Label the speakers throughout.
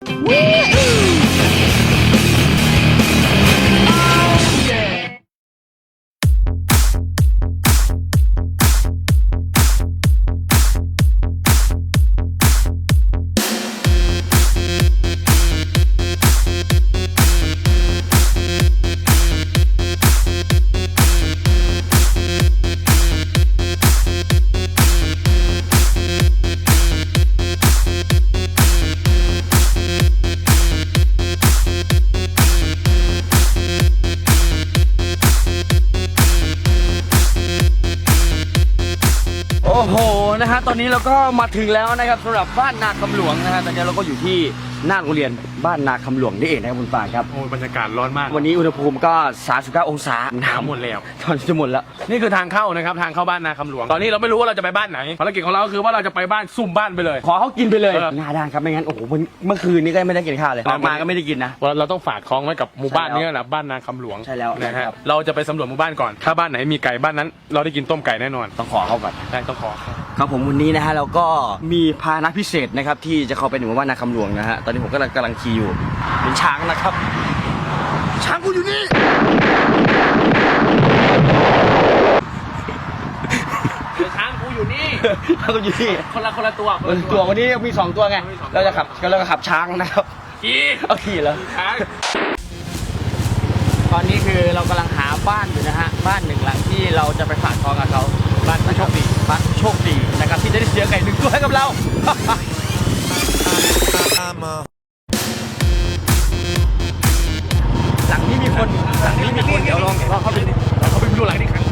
Speaker 1: โอ้โหนะฮะตอนนี้เราก็มาถึงแล้วนะครับสำหรับบ้านนาคำหลวงนะฮะตอนนี้เราก็อยู่ที่หน้าโรงเรียนบ้านนาคำหลวงนี่เองนะครับคุณปานครับ
Speaker 2: โอ้บรรยากาศร้อนมาก
Speaker 1: วันนี้อุณหภูมิก็39องศา
Speaker 2: หนาวหมดแล้ว
Speaker 1: ตอนจะหมดแล้ว
Speaker 2: นี่คือทางเข้านะครับทางเข้าบ้านนาคำหลวงตอนนี้เราไม่รู้ว่าเราจะไปบ้านไหนภารกิจของเราคือว่าเราจะไปบ้านซุ่มบ้านไปเลย
Speaker 1: ขอเขากินไปเลยหน้าด้านครับไม่งั้นโอ้โหเมื่อคืนนี้ก็ไม่ได้กินข้าวเลยออกมาก็ไม่ได้กินนะ
Speaker 2: เราต้องฝากท้องไว้กับหมู่บ้านนี้นะบ้านนาคำหลวง
Speaker 1: ใช่แล้ว
Speaker 2: นะฮะเราจะไปสำรวจหมู่บ้านก่อนถ้าบ้านไหนมีไก่บ้านนั้นเราได้กินต้มไก่แน่นอน
Speaker 1: ต้องขอเขาก่อน
Speaker 2: ได้ต้องขอ
Speaker 1: ครับผมวันนี้นะฮะเราก็มีพาหนะพิเศษนะครับที่จะเข้าไปในหมู่บ้านนาคำหลวงนะฮะตอนนี้ผมกำลังขี่อยู่เป็นช้างนะครับช้างกูอยู่นี่
Speaker 2: ช้างกูอยู่นี่
Speaker 1: ช้างกูอยู่นี่
Speaker 2: คนละตัว
Speaker 1: วันนี้มี2ตัวไงเราจะขับช้างนะครับขี่แล้ว
Speaker 2: ช้าง
Speaker 1: ตอนนี้คือเรากำลังหาบ้านอยู่นะฮะบ้านหนึ่งหลังที่เราจะไปฝากท้องกับเขาบ้านโชคดีบ้านโชคดีนะครับที่จะได้เสียไก่1ตัวให้กับเราหลังนี้มีคนเดี๋ยวลองเข้าไป
Speaker 2: ดูหลังนี้ครับ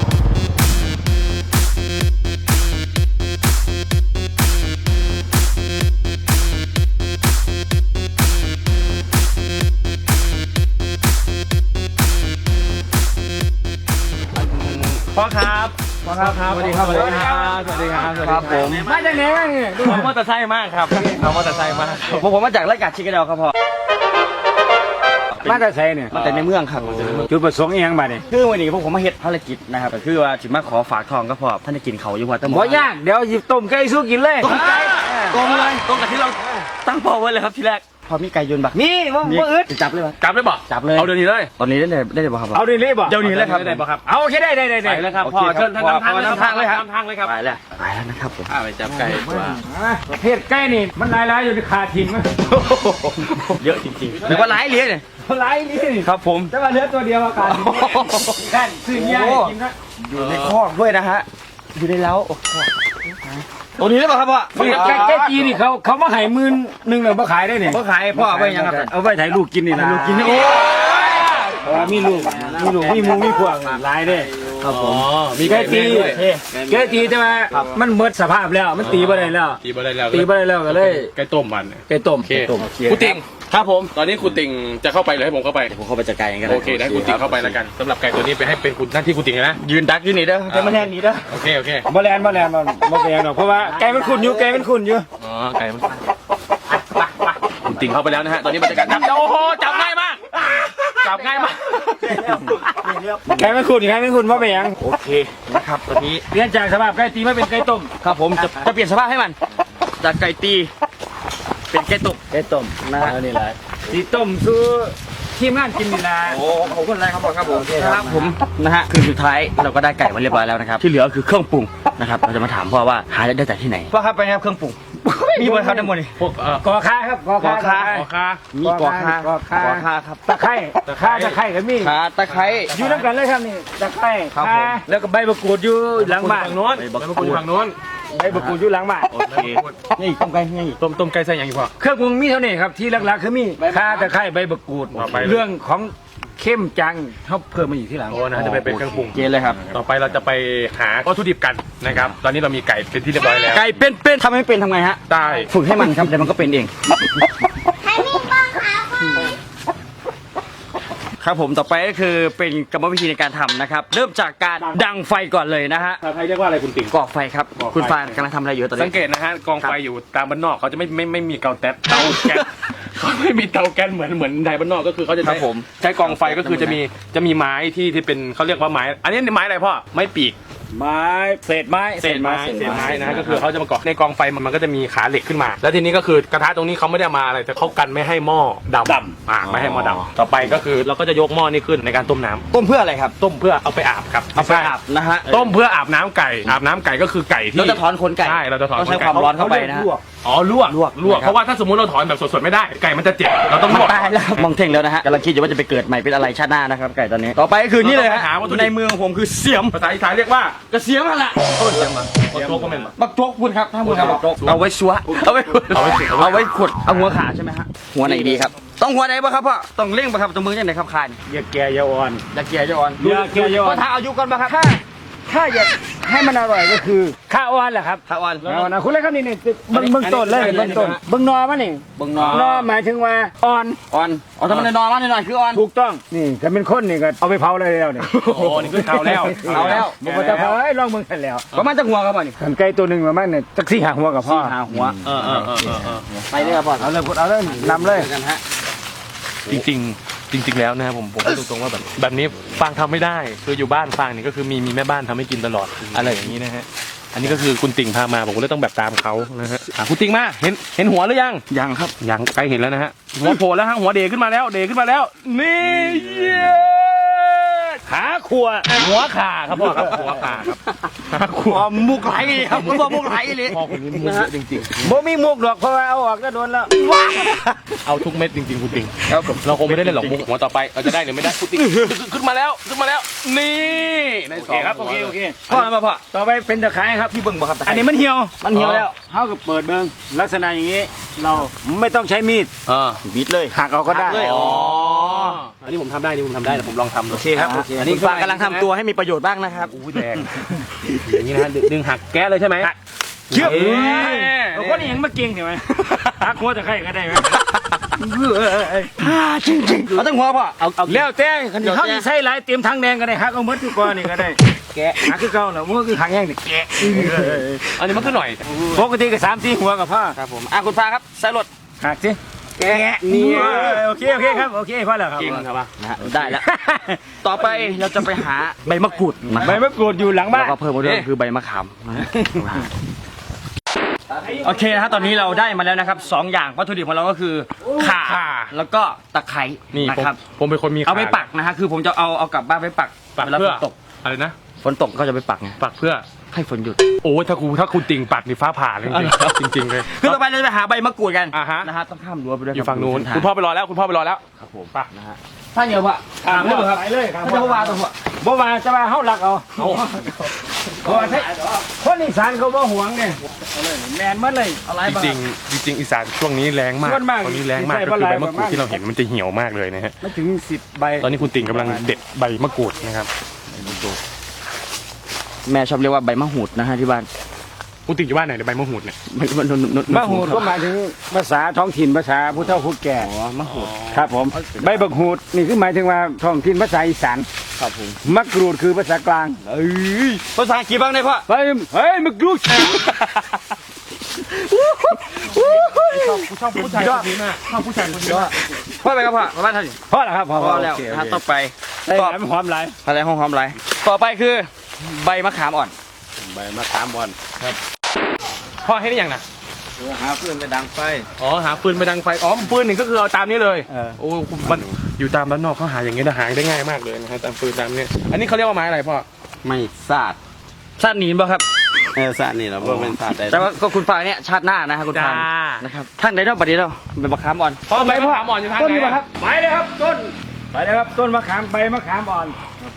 Speaker 2: พ่อครับ
Speaker 1: สวัสดีครับผม
Speaker 2: มาจากไหนเนี่ยดูมอเตอร์ไซค์มากครับมอเตอร์ไซค์มาก
Speaker 1: ผมมาจากไร่กาดชิคกี้พายครับพ่อ
Speaker 3: มาแต่ไสเนี่ย
Speaker 1: มาแต่ในเมืองครับ
Speaker 3: จุดประสงค์อีหยังบัดนี่
Speaker 1: คือวันนี้ผมมาเฮ็ดภารกิจนะครับคือว่าสิมาขอฝากทองก็พอท่านได้กินเขาอยู่ว่าแต่
Speaker 3: บ่ยากเดี๋ยวหยิบต้มไก่สู้กินเลย
Speaker 1: ตรงกับที่เราตั้งเป้าไว้เลยครับทีแรกพอมีไก่ยนต์บัก
Speaker 3: มีบ่อึด
Speaker 1: จับเลยป่ะ
Speaker 2: จับเลยเอาเดี๋ยวนี้เลย
Speaker 1: ตอนนี้ได้บ่ครับ
Speaker 3: เอาเดี๋ยวนี้บ่
Speaker 1: เดี๋ยวนี้เลยครับ
Speaker 2: ได้บ่ครับ
Speaker 3: เอาโอเคได้
Speaker 2: แล้วครับพ่อเชิญท่านนำทางเลยครับ
Speaker 1: ไปแล้วนะครับผม
Speaker 2: ไปจับไก่ตัว
Speaker 3: ประเภทไก่นี่มันหลายอยู่ที่ขาทิ้งมั้ย
Speaker 1: เยอะจริงๆหรือว่าหลายเลี้ยงเนี่ย
Speaker 3: หลายนี่
Speaker 1: ครับผม
Speaker 3: แต่ว่าเหลือตัวเดียวอาการท่านซื้อยากินนะ
Speaker 1: อยู่ในคอกด้วยนะฮะอยู่ในเล้าตัวนี้ได้ป่ะครับพ่อ
Speaker 3: แก่จีนี่เขามาขาย11,000เลยมาขายได้เนี่ย
Speaker 1: เขาขายพ่อเอาไปยังครับ
Speaker 3: เอาไปถ่ายลูกกินนี่นะ
Speaker 1: ลูกกินโอ้
Speaker 3: มีลูกมีมูมีพวกหลายได้
Speaker 1: ครับผม
Speaker 3: มีแก่จีแต่ว่ามันหมดสภาพแล้วมันตีบ่ได้แล้วก็เลย
Speaker 2: ไก่ต้มมัน
Speaker 3: ไก่ต้ม
Speaker 2: กูติง
Speaker 1: ครับผม
Speaker 2: ตอนนี้คุณติงจะเข้าไปหรือให้ผมเข้าไป
Speaker 1: ผมเข้าไปจัดการกัน
Speaker 2: โอเคได้คุณติงเข้าไปแล้วกันสำหรับไก่ตัวนี้ไปให้เป็นคุณหน้าที่คุณติงนะ
Speaker 1: ยืนดักอยู่นี่เด้อจะมาแทนนี่เด้อ
Speaker 2: โอเค
Speaker 3: บ่แลนบ่เป็นหรอกเพราะว่าไก่มันขุ่นอยู่
Speaker 2: อ๋อไก่มันคุณติงเข้าไปแล้วนะฮะตอนนี้บรรยากาศจับโอ้โหจับง่ายมาก
Speaker 3: ไก่มันขุ่นว่าเป็นยัง
Speaker 1: โอเคนะครับตอนนี้
Speaker 3: เปลี่ยนจากสภาพไก่ตีมาเป็นไก่ต้ม
Speaker 1: ครับผมจะเปลี่ยนสภาพให้มันจากไก่ตีเป็นไก่ต้มนะฮะนี่แหละ
Speaker 3: ตีต้มซื้อทีมงานกินนี่นะ
Speaker 1: โอ้ขอบคุณอะไรครับผมนะฮะคือสุดท้ายเราก็ได้ไก่มาเรียบร้อยแล้วนะครับที่เหลือคือเครื่องปรุงนะครับเราจะมาถามพ่อว่าหาได้จากที่ไหนพ่อครับไปครับเครื่องปรุงมีบนครับทั้งหมดนี่
Speaker 3: พวกกอคาครับกอคา
Speaker 1: มีกอคาครับ
Speaker 3: ตะไคร้ก็มี
Speaker 1: ตะไคร้
Speaker 3: อยู่น้ำกันเลยครับนี่ตะไคร้แล้วก็ใบมะกรูดอยู่หลังบ้าน
Speaker 2: ฝั่งโน้นใบมะกรูดฝั่งโน้น
Speaker 3: ใบมะกรูดอยู่หลังบ้าน
Speaker 1: โอเคนี่ต้มไก่นี่
Speaker 2: ต้มไก่ใส่อย่างอีกพ่อ
Speaker 3: เครื่องปรุงมีเท่านี้ครับที่หลักๆคือมีข่าตะไคร้ใบมะกรูดเรื่องของเข้มจังเขาเพิ่มมาอยู่ที่หลัง
Speaker 2: โอ้นะจะไปเป็นเครื่องปรุง
Speaker 1: เกณฑ์เลยครับ
Speaker 2: ต่อไปเราจะไปหาวัตถุดิบกันนะครับตอนนี้เรามีไก่เป็นที่เรียบร้อยแล้ว
Speaker 1: ไก่เป็นทำไม่เป็นทำไงฮะ
Speaker 2: ได้
Speaker 1: ฝึกให้มันครับเดี๋ยวมันก็เป็นเอง
Speaker 4: ให้มีป้องขา
Speaker 1: ครับผมต่อไปก็คือเป็นกรรมวิธีในการทำนะครับเริ่มจากการดังไฟก่อนเลยนะฮะ
Speaker 2: ภาษาไทยเรียกว่าอะไรคุณติ๋ง
Speaker 1: ก่อไฟครับคุณฟานกำลังทำอะไรอยู่ตอนนี้
Speaker 2: สังเกตนะฮะกองไฟอยู่ตามบ้านนอกเขาจะไม่มีเตาแก๊สเขาไม่มีเตาแก๊สเหมือนไทยบ้านนอกก็คือเขาจะ
Speaker 1: ครั
Speaker 2: ใช้
Speaker 1: บผม
Speaker 2: ใช้กองไฟก็คือจะมีไม้ที่เป็นเขาเรียกว่าไม้ อันนี้ไม้อะไรพ่อไม้ปีก
Speaker 3: ไม้เศษไม้
Speaker 2: เศษไม้นะก็คือเขาจะมาเกาะในกองไฟมันก็จะมีขาเหล็กขึ้นมา แล้วทีนี้ก็คือกระทะตรงนี้เขาไม่ได้มาอะไรแต่เขากันไม่ให้หม้อดำไม่ให้หม้อดำต่อไปก็คือเราก็จะยกหม้อนี้ขึ้นในการต้มน้ำ
Speaker 1: ต้มเพื่ออะไรครับ
Speaker 2: ต้มเพื่อเอาไปอาบครับ
Speaker 1: เอาไปอาบนะฮะ
Speaker 2: ต้มเพื่ออาบน้ำไก่อาบน้ำไก่ก็คือไก่ที่
Speaker 1: เราจะถอนขนไก่
Speaker 2: ใช่เราจะถอน
Speaker 1: ต้องใช้
Speaker 2: ขนไก่
Speaker 1: ความร้อนเข้าไปนะฮะ
Speaker 2: อ๋อลวก
Speaker 1: นะครับ
Speaker 2: เพราะว่าถ้าสมมติเราถอนแบบสดๆไม่ได้ไก่มันจะเจ็บเราต้องล
Speaker 1: มัน
Speaker 2: วก
Speaker 1: ตายแล้วมองเท่งแล้วนะฮะกำลังคิดอยู่ว่าจะไปเกิดใหม่เป็นอะไรชาติหน้านะครับไก่ตอนนี้ต่อไปก็คือนี่เลยฮะ
Speaker 2: เราต้องไปหาวัตถุดิบ
Speaker 1: ในมือของผมคือเสียม
Speaker 2: ภาษาอีสานเรียกว่าก
Speaker 1: ระเสียมอะไร
Speaker 2: เสียมมาโจ๊กก็เป็น
Speaker 1: บักโจ๊กคุณครับถ้าคุณครับบักโจ๊กเอาไว้ชัวเอาไว้ขุดเอาไว้ขุดเอาหัวขาใช่ไหมฮะหัวไหนดีครับต้องหัวไหนบ้างครับพ่อต้องเร่งบ้างครับตรงมือยังไหนครับคาน
Speaker 3: อย่าแก่อย่าอ่อน
Speaker 1: อย่าเกียร์อย่าอ่อน
Speaker 3: อย่าเกียร์อย่าอ่อน
Speaker 1: ก็ถ้าอายุก่อนบ้างครับ
Speaker 3: ถ้าอยากให้มันอร่อยก็คือข้าวอ่อนแหละครับ
Speaker 1: ถ้าอ่อน
Speaker 3: เอานะคุณเล็กครับนี่เบิ้งต้นเลยเบิ้งต้นเบิ้งนอมันนี่
Speaker 1: เบิ่งนอ
Speaker 3: นอหมายถึงว่าอ่อน
Speaker 1: อ่อนอ๋อถ้ามันนอนมาหน่อยคืออ่อน
Speaker 3: ถูกต้องนี่ถ้าเป็นคนนี่ก็เอาไปเผาเลยแล้วเนี่ย
Speaker 2: โอ้นี่คือเทาแล้ว
Speaker 1: เอาแล้ว
Speaker 3: มันจะเผาให้ลองเบิ่งกันแล้ว
Speaker 1: ประมาณจะหัวครับพ่อนี่
Speaker 3: กันไก่ตัวหนึ่งประมาณเนี่ยจักสี่หาหัวกับพ่อ
Speaker 1: หาหัว
Speaker 2: เออ
Speaker 1: ไปเลยครับพ่อ
Speaker 3: เอาเลยกดเอาเลยนำเลย
Speaker 1: กันฮะ
Speaker 2: จริงๆแล้วนะครับผมพูดตรงๆว่าแบบนี้ฟางทำไม่ได้คืออยู่บ้านฟางนี่ก็คือมีแม่บ้านทำให้กินตลอดอะไรอย่างนี้นะฮะอันนี้ก็คือคุณติ่งพามาผมก็เลยต้องแบบตามเขานะฮะคุณติ่งมาเห็นหัวหรือยัง
Speaker 1: ยังครับ
Speaker 2: ยังใกล้เห็นแล้วนะฮะหัวโผล่แล้วฮะหัวเดขึ้นมาแล้วนี่ขาขวหัวขาครับพ่อครับหัวขาครับขาขว
Speaker 1: อ๋อมุกไหลครับผมบอกมุกไหลเลย
Speaker 2: พ่อคนนี้มุกเยอะจริง
Speaker 3: บ่มีมุกดอกเพราะว่าเอาออกก็โดนแล้ว
Speaker 2: ๆเอาทุกเม็ดจริงๆคุณติ่งเราคงไม่ได้เล่นหรอกมุกหัวต่อไปเราจะได้หรือไม่ได้คุณติ่งขึ้นมาแล้วนี่ในสอง
Speaker 3: โอเค
Speaker 1: พ่อมาพ่อ
Speaker 3: ต่อไปเป็นตะไคร้ครับ
Speaker 1: พี่เบิ่งบ่ครับ
Speaker 3: อันนี้มันเหี่ยว
Speaker 1: มันเหี่ยวแล้ว
Speaker 3: เขาก็เปิดเบิ้งลักษณะอย่างนี้ เราไม่ต้องใช้มีด
Speaker 1: บิดเลย
Speaker 3: หักเอาก็ได้
Speaker 1: หักเลย
Speaker 2: อ๋ออันนี้ผมทำได้นี่ผมทำได้แต่ผมลองทำ
Speaker 1: โอเคครับอันนี้ฝากกำลังทำตัวให้มีประโยชน์บ้างนะครับ
Speaker 2: อู้แดงอย่างนี้นะฮะดึงหักแก๊สเลยใช่ไหม
Speaker 3: เชื่อ
Speaker 2: เอ้ย
Speaker 3: เราคนนี้ยังมาเก่งใช่ไหมหักหัวตะไคร้ก็ได้ไหม
Speaker 1: จริงๆเอาตั้งหัวพ่อเอา
Speaker 3: แล้วแต่คันที่เขาที่ใช้หลายเตรียมทางแดงก็ได้หักเอาหมดทุกก้อนนี่ก็ได้แกะหักคือเก่าแล้วมันก็คือหักแห้งนี่แกะ
Speaker 2: อันนี้มันคือหน่อย
Speaker 3: ปกติก็3-4หัวกับพ่อ
Speaker 1: ครับผมคุณฟ้าครับใส่รถ
Speaker 3: หักสิแกะนี่โอเคครับโอเคพอแล้วครับ
Speaker 2: จริงครับป่ะ
Speaker 1: นะฮะได้แล้ว ต่อไปเราจะไปหาใบมะกรูดนะค
Speaker 3: ใบ
Speaker 1: รับ
Speaker 3: มะกรูดอยู่หลังบ้า
Speaker 1: แล้
Speaker 3: น
Speaker 1: วก็เพิ่มมาด้วยคือใบมะขามนะฮะโอเคนะฮะตอนนี้เราได้มาแล้วนะครับ2อย่างวัตถุดิบของเราก็คือข่าแล้วก็ตะไคร้
Speaker 2: นี่
Speaker 1: นะครับ
Speaker 2: ผมเป็นคนมี
Speaker 1: เอาไปปักนะฮะคือผมจะเอากลับบ้านไปปัก
Speaker 2: ปัก
Speaker 1: เวลา
Speaker 2: เพื่
Speaker 1: ฝ
Speaker 2: อน
Speaker 1: ตก
Speaker 2: อะไรนะ
Speaker 1: ฝนตกก็จะไปปักไง
Speaker 2: ปักเพื่อ
Speaker 1: ให้ฝนหยุด
Speaker 2: โอ้ถ้าคุณติ่งปักนี่ฟ้าผ่าเลยจริงๆเลย
Speaker 1: คือต่อไปเราจะไปหาใบมะกรูดกัน
Speaker 2: อ่าฮะ
Speaker 1: นะฮะต้องข้ามรั้วไปด้วย
Speaker 2: อยู่ฝั่งนู้น
Speaker 1: เส้ทา
Speaker 2: คุณพ่อไปรอแล้วครับผมป่ะ
Speaker 1: นะฮะถ้าเหนียวปะ
Speaker 3: ไปเลยครับ
Speaker 1: ถ้าจะว่าตัวหัว
Speaker 3: บ่ว่าจะว่าเฮารักเอาเพราะว่าคนอีสานเขาบ่หวงเนี่ยแมนหมดเลย
Speaker 1: อะไร
Speaker 2: จ
Speaker 1: บ้าง
Speaker 2: ริงๆอีสานช่วงนี้แรงมาก
Speaker 3: ส่วนมาก
Speaker 2: ตอนนี้แรงมาก
Speaker 3: ใส่
Speaker 2: ก็คือ
Speaker 3: ปลาไหล
Speaker 2: ใบมะกรูดที่เราเห็นมันจะเหี่ยวมากเลยนะฮะ
Speaker 3: ไม่ถึง10ใบ
Speaker 2: ตอนนี้คุณติ่งกำลังเด็ดใบมะกรูดนะครับ
Speaker 1: แม่ชอบเรียกว่าใบมะหูดนะฮะที่บ้าน
Speaker 2: คุณติ่งอยู่บ้านไหนในยใบมะกรูดเนี่ย
Speaker 3: มะหูดก็หมายถึงภาษาท้องถิ่นภาษาผู้เฒ่าผู้แก่
Speaker 1: อ๋อมะหูด
Speaker 3: ครับผมใบบักหูดนี่คือหมายถึงว่าท้องถิ่นภาษาอีสาน
Speaker 1: ครับผม
Speaker 3: มะกรูดคือภาษากลาง
Speaker 1: ภาษาอังกฤษบ้างได้พ่อ
Speaker 3: เฮ้ยมะกรูด
Speaker 2: ชอบผู้ชายคนนี้มากชอบผู้ชายคนนี้มาก
Speaker 1: พ่อไปครับพ่อมาบ้านท่าน
Speaker 3: พอแล้วครับพอ
Speaker 1: พอแล้ว
Speaker 3: โอเค
Speaker 1: นะฮะต่อไป
Speaker 3: ได้หลายหอมหลาย
Speaker 1: อะไรห้องหอมไรต่อไปคือใบมะขามอ่อน
Speaker 3: ใบมะขามอ่อน
Speaker 2: พ่อให้ได้ยังนะ
Speaker 3: หาเพื่อนไปดังไฟ
Speaker 2: อ๋อหาปืนไปดังไฟอ๋อปืนหนึ่งก็คือเอาตามนี้เลยโอ้มันอยู่ตามบ้านนอกเขาหาอย่างเงี้ยหาได้ง่ายมากเลยนะฮะตามปืนตามเนี้ยอันนี้เขาเรียกว่าไม้อะไรพ่อ
Speaker 5: ไม่สาด
Speaker 1: ชาติหนีนบ่ครับ
Speaker 5: สาดนี่เราบ่เป็นสาดได้
Speaker 1: แต่ว่าก็คุณฟ้าเนี่ยชาติหน้านะฮะคุณฟ้า
Speaker 2: จ้า
Speaker 1: นะครับท่านใดเนาะบัดนี้เราใบมะขามอ่อน
Speaker 2: พ่อใบมะขามอ่อนอยู่ทาง
Speaker 3: ต้น
Speaker 2: ไหน
Speaker 3: นี้
Speaker 2: อะ
Speaker 3: ครับไปเลยครับต้นไปเลยครับต้นมะขามใบมะขามอ่อน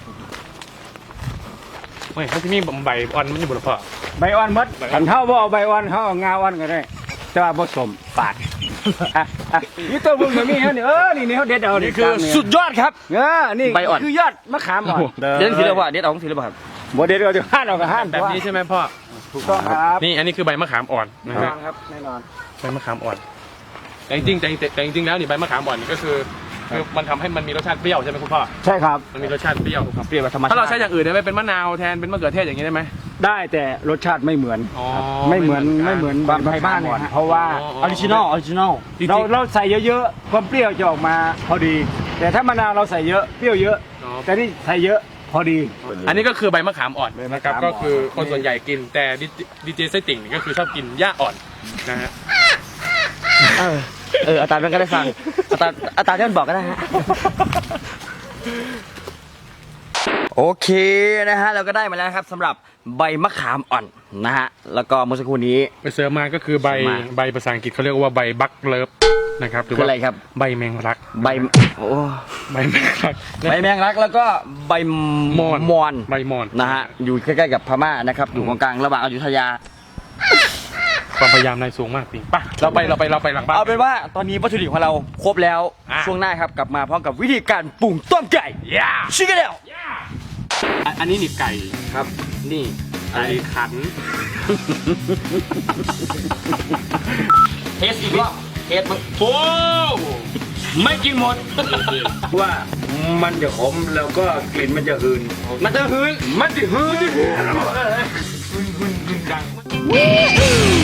Speaker 2: ไม่เขาที่นี่ใบอ่อนมันอยู่บนพ่อ
Speaker 3: ใบอ่อนหมดขันเท่าบ่เอาใบอ่อนเขาเอางาอ่อนก็ได้แต่ว่าผสมปาดนี่ต้นพวกนี้ฮะนี่นี่เขาเด็ดเอานี่
Speaker 1: คือสุดยอดครับ
Speaker 3: นี่
Speaker 1: ใบอ่อน
Speaker 3: คือยอดมะขามอ่อน
Speaker 1: เด็ดทีละว่าเด็ดเอาทีละว่าครับ
Speaker 3: บ่เด็ดเอาจะห้านเอาก็ห้าน
Speaker 2: แบบนี้ใช่ไหมพ่อ
Speaker 3: ถูกต้องครับ
Speaker 2: นี่อันนี้คือใบมะขามอ่อนนะ
Speaker 3: แน่น
Speaker 2: ฮะ
Speaker 3: อนครับแน่นอน
Speaker 2: ใบมะขามอ่อนแต่จริงๆแล้วนี่ใบมะขามอ่อนนี่ก็คือมันทำให้มันมีรสชาติเปรี้ยวใช่ไหมคุณพ่อ
Speaker 3: ใช่ครับ
Speaker 2: มันมีรสชาติเปรี้ยว
Speaker 1: เปรี้ยวแบบธรรมชาติ
Speaker 2: ถ้าเราใช้อย่างอื่นได้ไหมเป็นมะนาวแทนเป็นมะเขือเทศอย่างนี้ได้ไหม
Speaker 3: ได้แต่รสชาติไม่เหมือน
Speaker 2: อ๋อ
Speaker 3: ไม่เหมือน
Speaker 2: ไม่
Speaker 3: ไม่
Speaker 2: เห
Speaker 3: เห
Speaker 2: มื
Speaker 3: มื
Speaker 2: อ
Speaker 3: อน น
Speaker 1: บางไทยบ้านเนี่ยฮะ
Speaker 3: เพราะว่า
Speaker 2: อ๋อ
Speaker 1: ออริจินอลออริจินอล
Speaker 2: จริงๆ
Speaker 3: เราใส่เยอะๆความเปรี้ยวจะออกมาพอดี แต่ถ้ามะนาวเราใส่เยอะเปรี้ยวเยอะ
Speaker 2: อ๋อ
Speaker 3: แต่นี่ใส่เยอะพอดี
Speaker 2: อันนี้ก็คือใบมะขามอ่อน
Speaker 3: ใบมะ
Speaker 2: นะครับ
Speaker 3: ขามอ่อน
Speaker 2: ก็คือคนส่วนใหญ่กินแต่ดีเจไส้ติ่งนี่ก็คือชอบกินหญ้าอ่อนนะฮะ
Speaker 1: อาจารย์มันก็ได้ฟังอาจารย์ที่มันบอกก็ได้ฮะ โอเคนะฮะเราก็ได้มาแล้วนะครับสำหรับใบมะขามอ่อนนะฮะแล้วก็เมื่อสักครู่นี้
Speaker 2: ไปเสิร์ฟมาก็คือใบ
Speaker 1: เสิร์ฟมา
Speaker 2: ใบภาษาอังกฤษเขาเรียกว่าใบบักเลิฟนะครับหรือ
Speaker 1: คือ
Speaker 2: ว่า
Speaker 1: อะไรครับ
Speaker 2: ใบแมงลัก
Speaker 1: ใบโอ้
Speaker 2: ใบแมงลัก
Speaker 1: ใบแมงลักแล้วก็ใบ
Speaker 2: มอน
Speaker 1: มอน
Speaker 2: ใบมอน
Speaker 1: นะฮะอยู่ใกล้ๆกับพม่านะครับอยู่ตรงกลางระหว่างอยุธยา
Speaker 2: ความพยายามนายสูงมากจริงป่ะเราไปหลังบ้าน
Speaker 1: เอาเป็นว่าตอนนี้วัตถุดิบของเราครบแล้ว
Speaker 2: อ่ะ
Speaker 1: ช่วงหน้าครับกลับมาพร้อมกับวิธีการปรุงต้มไก่
Speaker 2: ย่า
Speaker 1: ชิคกี้พาย
Speaker 2: อันนี้หนีบไก่
Speaker 1: ครับนี่
Speaker 2: ไก่ขัน
Speaker 1: เทสอีกรอบเทสมึง
Speaker 2: โอ้
Speaker 1: ไม่กินหมด
Speaker 3: ว่ามันจะขมแล้วก็กลิ่นมันจะหืน
Speaker 1: มันจะหืน
Speaker 3: มันจะหืน
Speaker 2: ดัง
Speaker 4: Woo!